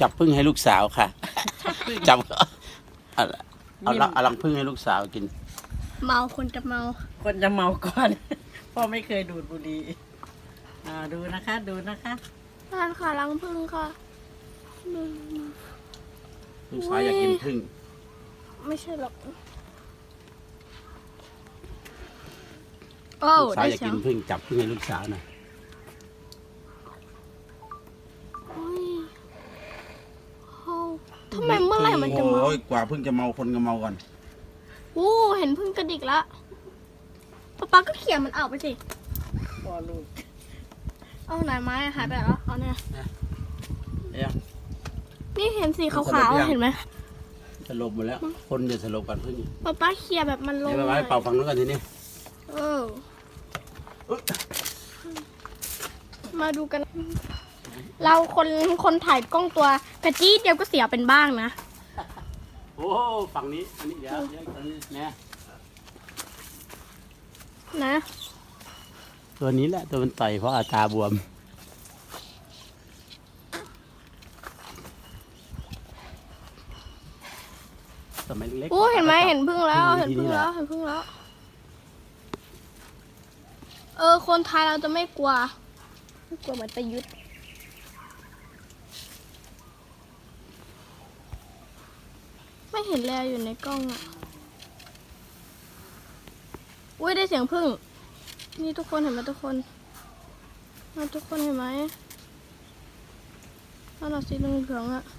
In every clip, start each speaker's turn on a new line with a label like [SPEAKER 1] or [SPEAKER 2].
[SPEAKER 1] จับพึ่งให้ลูกสาวค่ะ จับเอาลังพึ่งให้ลูกสาวกิน
[SPEAKER 2] เมาคนจะเมา
[SPEAKER 3] คนจะเมาก่อนพ่อไม่เคยดูดบุหรี่ดูนะคะดูนะคะ
[SPEAKER 2] ทานค่ะรังพึ่งค่ะ
[SPEAKER 1] ลูกสาวอยากกินพึ่ง
[SPEAKER 2] ไม่ใช่หรอกโอ้
[SPEAKER 1] ลูกสาว
[SPEAKER 2] ได้
[SPEAKER 1] อยาก
[SPEAKER 2] เสีย
[SPEAKER 1] กิ
[SPEAKER 2] ง
[SPEAKER 1] นพึ่งจับพึ่งให้ลูกสาวหน่อย
[SPEAKER 2] อุ๊ยโอ้ทำไมเมื่อไหร่มันจะเมา
[SPEAKER 1] โอ้ยกว่าพึ่งจะเมาคนก็เมาก่อน
[SPEAKER 2] โอ้เห็นพึ่งกระดิกละป๊าก็เขี่ยมันเอาไปสิ
[SPEAKER 3] พ่อลูก
[SPEAKER 2] เอาไหนไม้หายไปแล้วเอาเนี่ย
[SPEAKER 1] เอ๊ะ
[SPEAKER 2] นี่เห็นสีขาวๆเห็นไหม
[SPEAKER 1] สลบหมดแล้ว คนจะสลบกันพึ่ง
[SPEAKER 2] ป๊าเขี่ยแบบมันลง
[SPEAKER 1] เดี๋ยวไปเป่าฝั่งนู้นกันทีนี้
[SPEAKER 2] เออมาดูกัน เราคนถ่ายกล้องตัวกระจี้เดียวก็เสียเป็นบ้างนะ
[SPEAKER 1] โอ้ฝั่งนี้อันนี้เดี๋ยวอันนี้เนี่ย
[SPEAKER 2] นะ
[SPEAKER 1] ตัวนี้แหละตัวมันต่อยเพราะอาตาบวมสมัยเล็ก
[SPEAKER 2] โอ้เห็นไหมเห็นพึ่งแล้วเห็นพึ่งแล้วเห็นพึ่งแล้ว คนไทยเราจะไม่กลัวเหมือนประยุทธ์ไม่เห็นแล้วอยู่ในกล้องอ่ะอุ้ยได้เสียงพึ่งนี่ทุกคนเห็นไหมทุกคนทุกคนเห็นไหมนั่นน่ะสีเหลืองๆอ่ะ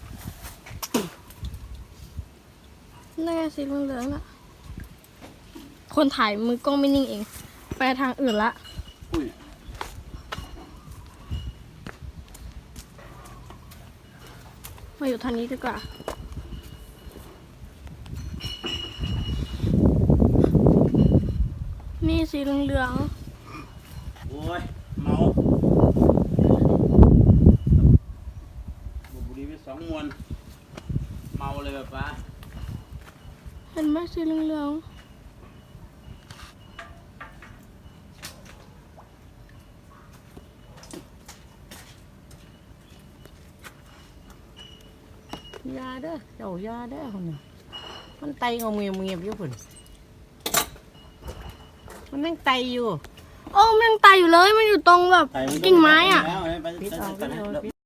[SPEAKER 2] นั่นไงสีเหลืองๆอ่ะคนถ่ายมือกล้องไม่นิ่งเองไปทางอื่นละ
[SPEAKER 1] อุ้ย
[SPEAKER 2] มาอยู่ทางนี้ดีกว่านี่สีเหลือง
[SPEAKER 1] โอ้ยเมาบุหรี่ไป2 มวนเมาเลยแบบว่า
[SPEAKER 2] ๆเห็นไหมสีเหลือง
[SPEAKER 3] ยาเด้อเจ้ายาเด้อคนนี้มันไตงอมเงียบอยู่คนมันนั่งไตอยู่
[SPEAKER 2] โอ้มันยังตายอยู่เลยมันอยู่ตรงแบบ
[SPEAKER 1] ไปมัน
[SPEAKER 2] กิ่งไม้อ่ะ
[SPEAKER 1] แล้วไป
[SPEAKER 3] ปิดเอา
[SPEAKER 1] ไป
[SPEAKER 3] ปิดเอา